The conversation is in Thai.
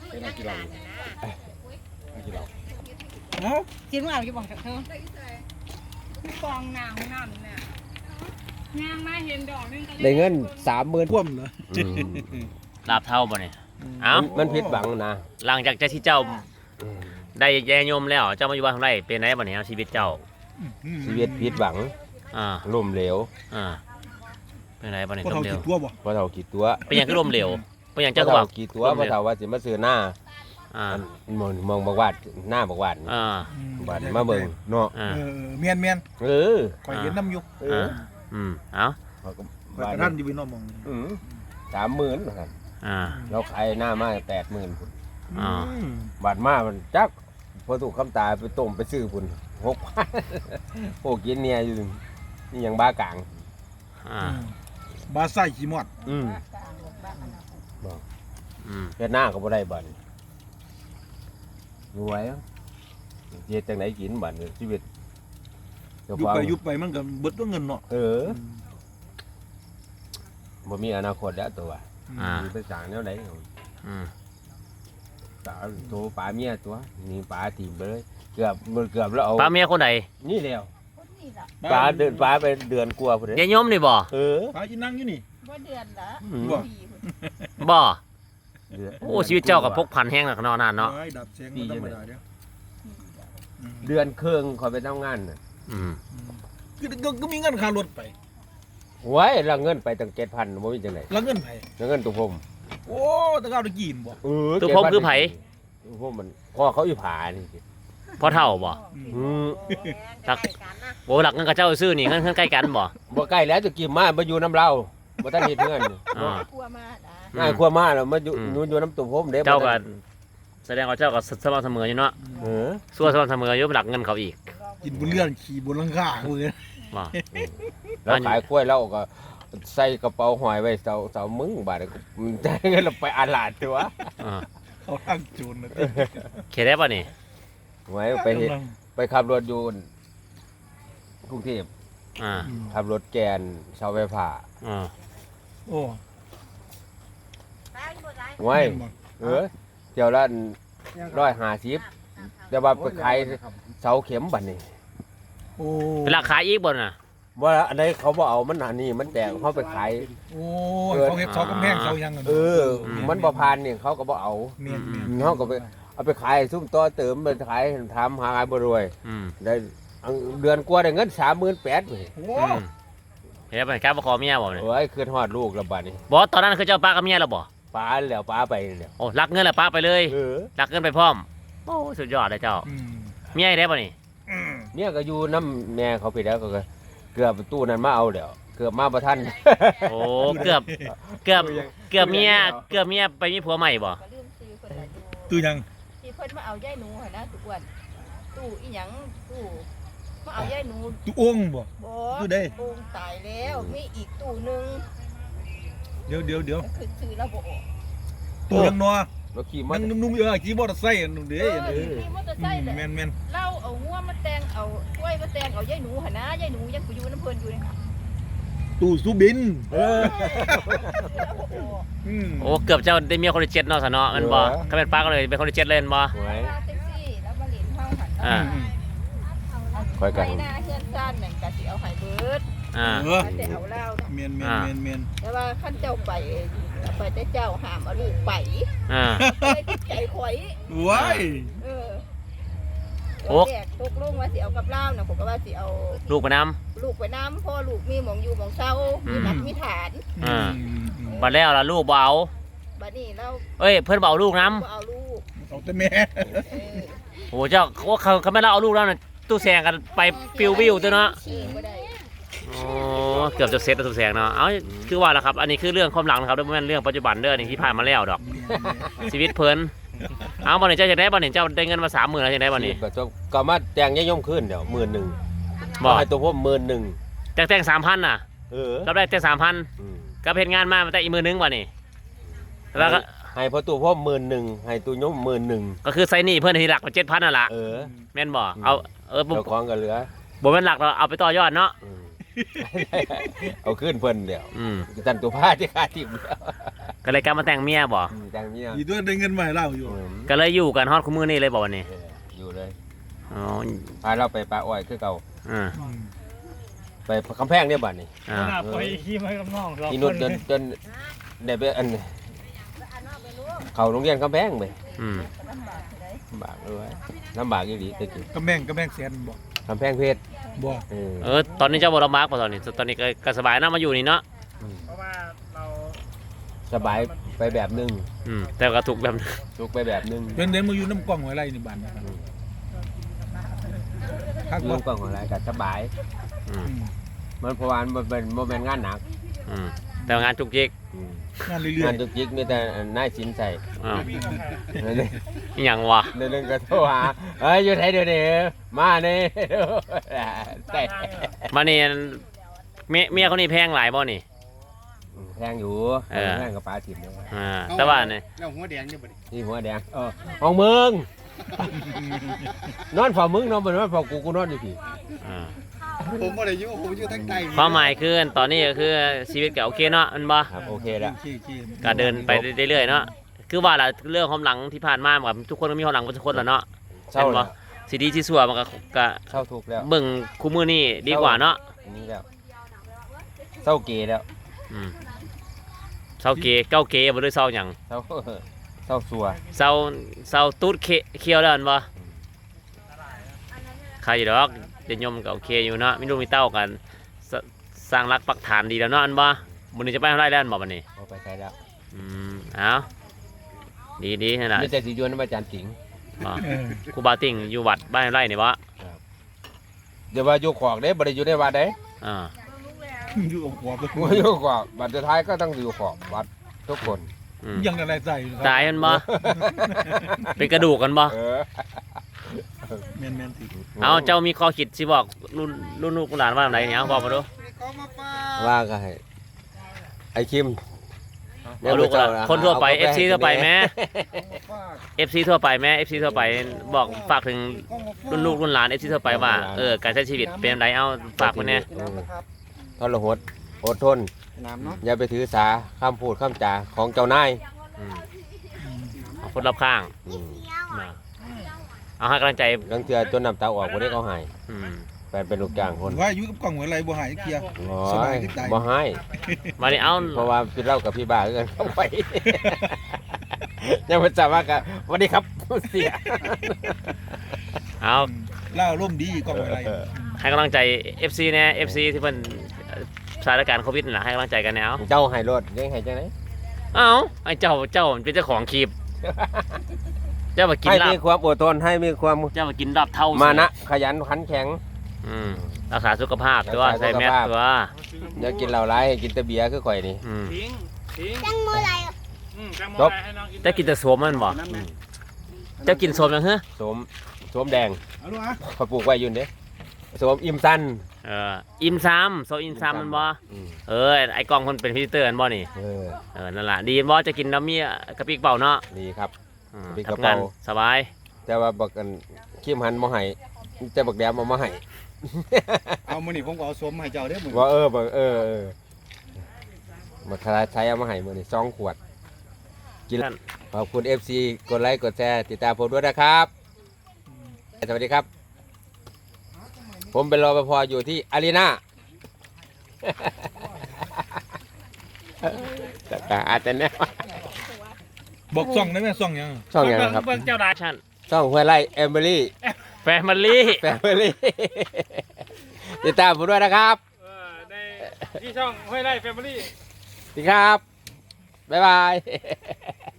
เป็นนักกีฬานักกีฬาเอ้าจิ้มเอาอยู่บ่เธอฟองน้ำเนี่ยย่างมาเห็นดอกนึงได้เงิน30,000พ่วมเหรอลาบเท่าบ่เนี่ยเอ้ามันผิดหวังนะหลังจากที่เจ้าได้แย่ยมแล้วเจ้ามาอยู่บ้านทำไรเป็นไงบ่เนี่ยชีวิตเจ้าชีวิตผิดหวัง ล่มเหลวเป็นไงบ่เนี่ยพอล้เท่ามเหลวกี่ตัวบ่พอเท่ากี่ตัวเป็นอย่างคือล้มเหลวเป็นอย่างพอเจ้าก็เท่าบอกกี่ตัวพอเท่าว่าสิมาซื้อหน้ามองบอกว่าหน้าบอกว่าบาดมาเบิ่งเนาะเมียนเออข่อยเห็นน้ำอยู่เออเอ้าข่อยกระทันอยู่พี่น้องมอง 30,000นะครับเราขายหน้ามา80,000พุ่นบาดมามันจักพอถูกคำตาไปต้มไปซื้อพุ่น6,000โอ้กินเนี่ยอยู่นี่ยังบ้ากลางบาใส่ขี้มอดเฮ็ดหน้าก็บ่ได้บัดรวยเฮ็ดจังไดกินบัดชีวิตยุบไปมันก็เบิดตัวเงินเนาะบ่มีอนาคตแล้วตัวมีไปสร้างแนวใดตาโตปลาเมียตัวนี่ปลาทีมไปเลยเกือบแล้วเอาป้าเมียคนใดนี่แล้วปลาเดินปลาไปเดือนกว่าพุ่นยายยมนี่บ่ปลาอีนั่งอยู่นี่บ่เดือนละบ่โอ้ชีวิตเจ้ากับพกพันแห้งหนักนอนนานเนาะดับแสงธรรมดาเด้อเดือนครึ่งขอยไปทำงานน่ะก็มีเงินค่ารถไปไว้ละเงินไปตั้ง 7,000บ่มีจังได๋แล้วเงินไผเงินตุผมโอ้ตะก้าวตะกี้บ่ตัวผมคือไผตุผมมันพ่อเขาอีผานี่สิพ่อเฒ่าบ่ตักโอ้หลักเงินกับเจ้าซื้อนี่เงินใกล้กันบ่บ่ใกล้แล้วจะกี่มาอยู่น้ำเราบ่ทันเฮ็ดเงินกลัวมาด่าง่ายกว่ามาแล้วมาอยู่น้ำตุผมเด้เจ้าก็แสดงว่าเจ้าก็สม่ำเสมออยู่เนาะส่วนสม่ำเสมออยู่หลักเงินเขาอีกกินบนเรือนขี่บนหลังคาเลยบ่แล้วขายกล้วยแล้วก็ใส่กระเป๋าหอยไว้เสามึงบาดมันได้เงินเราไปอาลาดตัวเขาทางจูนนะเขตได้ป่ะนี่ไว้ไปขับรถอยู่กรุงเทพขับรถแกนเสาไฟฟ้าโอ้ไว้เที่ยวละ150แต่ว่าไปขายเสาเข็มบัดนี้โอ้เป็นราคาอีกบ่น่ะว่าอันไหนเขาบ่เอามันอันนี้มันแตกเขาไปขายโอ้เขาเฮ็ดเสากำแพงเสายังกันมันบ่ผ่านนี่เขาก็บ่เอาเมียนเขาก็ไปเอาไปขายซุ่มต่อเติมไปขายทำหาบ่รวยได้เดือนกว่าได้เงิน38,000นี่โอ้เห็นได้ป่ะกล้าบ่ขอเมียบ่เนี่ยโอ้ยคืนฮอดลูกแล้วบัดนี้บ่ตอนนั้นคือเจ้าป้ากับเมียแล้วบ่ป้าแล้วป้าไปแล้วโอ้รักเงินแล้วป้าไปเลยรักเงินไปพร้อมโอ้สุดยอดเลยเจ้าเมียได้ป่ะนี่เนี่ยก็อยู่น้ำแม่เขาไปแล้วก็เกือบตู้นั้นมาเอาแล้วเกือบมาบ่ทันโอ้เกือบเมียไปมีผัวใหม่บ่ก็ลืมซื้อคนละอยู่ตู้ยังที่เพิ่นมาเอาย่ายหนูหั่นนะทุกวันตู้อีหยังตู้มาเอาย่ายหนูตู้องค์บ่บ่ตู้ใดโป่งตายแล้วมีอีกตู้นึงเดี๋ยวก็คือซื้อแล้วบ่ออกตู้ยังนัวแล้วขี่มัมัน นนุ่มขี่มอเตอร์ไซค์นุ่มเด้มีมอเตอร์ไซค์แหละแม่นเล่าเอางัวมาแต่งเอากล้วยมาแต่งเอาย่ายหนูหั่นนะย่ายหนูยังไปอยู่น้ำเพิ่นอยู่นี่ค่ะตู้สุบินโอ้เกือบเจ้าได้เมียคนที่7เนาะซะเนาะแม่นบ่ถ้าเป็นป้าก็เลยเป็นคนที่7เล่นบ่ไว้แท็กซี่แล้วมาเล่นเฮาหั่นค่อยกันไปหน้าเฮือนซ่านนั่นก็สิเอาให้เบิด แต่เอาเล่านะเมียนแต่ว่าขั้นเจ้าไปแต่เจ้าห้ามเอาลูกไปไปติดใจข่อยว้ายแยกตกลงว่าสิเอากับเล่านะผมก็ว่าสิเอาลูกไปน้ลูกไปน้ำพ่อลูกมีหมองอยู่หมองเศร้ามีหลักมีฐานำบัดแล้วล่ะลูกบ่เอาบัดนี้เราเอ้ยเพิ่นบ่เอาลูกน้เอาลูกเอาแต่แม่ำโอ้เจ้าเขาไม่เล่าเอาลูกแล้วน่ะตู้แซงกันไปปิววิวตัวเนาะชี้บ่ได้โอ้เกือบจะเซ็ตตู้แซงเนาะเอาคือว่าล่ะครับอันนี้คือเรื่องความหลังนะครับไม่ใช่เรื่องปัจจุบันเด้อนี่ที่ผ่านมาแล้วดอกชีวิตเพิ่นเอาบ่นี่เจ้าจะได้บ่นี่เจ้าได้เงินมา30,000แล้วจะได้บ่นี่ก็มาแต่งย่อมขึ้นเดี๋ยว11,000 บ่ให้ตัวผม11,000 แต่ง 3,000 น่ะ เราได้แต่ 3,000 ก็เฮ็ดงานมาแต่อีก10,000บ่นี่แล้วก็ให้พอตัวผม11,000ให้ตัวย่อม11,000 ก็คือใส่หนี้เพิ่นที่หลักกว่า 7,000นั่นล่ะแม่นบ่เอาบ่เจ้าของก็เหลือบ่แม่นหลักเราเอาไปต่อยอดเนาะเอาขึ้นเพิ่นเดี๋ยวจันตัวผ้าที่ขาดทิ่มแล้วก็เลยกลับมาแต่งเมียบ่จังเมียอีด้วยได้เงินมาให้เราอยู่ก็เลยอยู่กันฮอดคุมื้อนี้เลยบ่วันนี้อยู่เลยอ๋อพาเราไปปลาอ้อยคือเก่าอ่าไปคำแพงเนี่ยบัดนี้อ่าไปขี่มากับน้องเราที่นุชจนได้ไปอันเขาโรงเรียนคำแพงไปอืมลำบากเลยลำบากอีหลีตะกี้กำแพงแสนบ่คำแพงเพชรบ่ตอนนี้เจ้าบ่ลำบากป่ะตอนนี้ก็สบายนะมาอยู่นี่เนาะเพราะว่าเราสบายไปแบบหนึงแต่ก็ถูกแบบทุกไปแบบหนึงเดินมาอยู่น้ำกล้องหัวไรนี่บ้านนะครับคักเรื่บ่องกว้างของอะไรก็สบายอืมมันเพราะว่ามันเป็นโมเมนต์งานหนักอืมแต่ว่างานจุกจิกงานเรื่อยงานจุกจิกมีแต่นายสินใส่อ้าวนั่นเองอหย่างวะเดินก็โทรหาเอ้ยอยู่ไหนเดี๋ยวนี้มาเนี่ยแต่มานี่เมียคนนี้แพงหลายบ่นี่แพงอยู่เออแพงกับปลาถิ่นเลยแต่ว่าเนี่ยเราหัวแดงเนี่ยบ่ดินี่หัวแดงของมึงนอนฝ่ามึงนอนบนนอนฝ่ากูนอนอยู่พี่อ่าผมบ่ได้อยู่ผมอยู่ทั้งใต้ความหมายคือตอนนี้ก็คือชีวิตก็โอเคเนาะมันบ่ครับโอเคๆแล้วขี้ก็เดินไปเรื่อยๆเนาะคือว่าล่ะเรื่องความหลังที่ผ่านมาแบบทุกคนก็มีความหลังทุกคนแหละเนาะเศร้าเห็นบ่แล้วสิดีที่สัวมันก็เศร้าทุกข์แล้วเบิ่งคู่มือนี่ดีกว่าเนาะอันนี้แล้วเศร้าเกย์แล้วอืมเศร้าเกเก้าเกบ่ได้เศร้าหยังเศร้าเศร้าสัวเศร้าตูดเคี้ยวแล้วอันบ่ใครดอกเดนยมก็โอเคอยู่เนาะมีลูกมีเต้ากันสร้างรักปักฐานดีแล้วเนาะอันบ่มื้อนี้จะไปทำไรแล้วอันบ่บัดนี้เอาไปใช้แล้วเอาดีๆนั่นล่ะมีแต่สีจวนน้ำอาจารย์สิงห์บ่ครูบาติ่งอยู่วัดบ้านไร่นี่บ่เดี๋ยวว่าอยู่ขอกเด้บ่ได้อยู่ในวัดเด้อ่าอยู่กับหัวว่าอยู่ขอกบัดสุดท้ายก็ต้องอยู่ขอกวัดทุกคนอืมยังอะไรใส่ตายมันบ่เป็นกระดูกกันบ่แม่นๆสิเอาเจ้ามีข้อคิดสิบอกรุ่นลูกหลานว่าอะไรเนี่ยเอาบอกมาดูว่าก็ให้ไอ้คิมเอาลูกหลานคนทั่วไป FC ทั่วไปแม่ FC ทั่วไปแม่ FC ทั่วไปบอกฝากถึงรุ่นลูกรุ่นหลาน FC ทั่วไปว่าการใช้ชีวิตเป็นไรเอาฝากคนเนี้ยทรหดอดทนน้ำเนาะอย่าไปถือสาคำพูดคำจาของเจ้านายเอาคนรอบข้างเอาให้กำลังใจลังเทือจนน้ำตาออกบ่ได้เขาใหายอืมแฟนเป็นลูกจ้างคนว่าอยู่กับกล้องหัวไรบ่หายเคลียร์โอ้สบายยขึ้นใจบ่ให้มาดิเอาเพราะว่าพี่เล่ากับพี่บ้าคือกันเข้าไป ยังไม่ทราบว่ากันสวัสดีครับเสียเอาเล่าร่มดีกล้องหัวไรให้กำลังใจ FC เนี่ย FC ที่เป็นสถานการณ์โควิดน่ะให้กำลังใจกันแนวเจ้าให้รถเลี้ยงให้จังไหนเอาไอ้เจ้าเป็นเจ้าของคลิปเจ้ามากินให้ลาบมีความอดทนให้มีความเจ้ามากินลาบเท่ามานะขยันขันแข็งรักษาสุขภาพตัวรักษาใส่แมสสุขภาพตัวอย่ากินเหล้าร้ายให้กินแต่เบียร์คือข่อยนี่ทิ้งจังมือไรจังโมจบไรให้น้องกินเจ้ากินแต่โสมมันบ่เจ้ากินโสมยังเหรอสวมแดงเอาลูกอ่ะเขาปลูกไว้อยู่เด้สวมอิ่มสั้นอิมซ้ำโซอิมซ้ำมันบ่ไอ้กล้องคนเป็นพิจิเตอร์มันบ่นี่นั่นแหละดีบ่จะกินน้ำมีกระปิกเป่าเนาะดีครับ กระปิกกระทำเป๋างานสบายแต่ว่าบักกันขี้มหันมาให้แต่บักแดมมาให้เอามื้อนี้ผมก็เอาสมให้เจ้าเด้อมื้อว่าบักมาคลายใช้เอามาให้มื้อนี้2 ขวดกินขอบคุณ FC กดไลค์กดแชร์ติดตามผมด้วยนะครับสวัสดีครับ ผมเป็นรปภอยู่ที่อารีนาอาจจะแน่บอกซ่องได้ไหมซ่องยังช่องยังครับเบิ่งเจ้าดาชันช่องห้วยไร่แอมเบอรี่แฟมิลี่แฟมิลี่ติดตามผมด้วยนะครับในที่ช่องห้วยไร่แฟมิลี่สวัสดีครับ บ๊ายบาย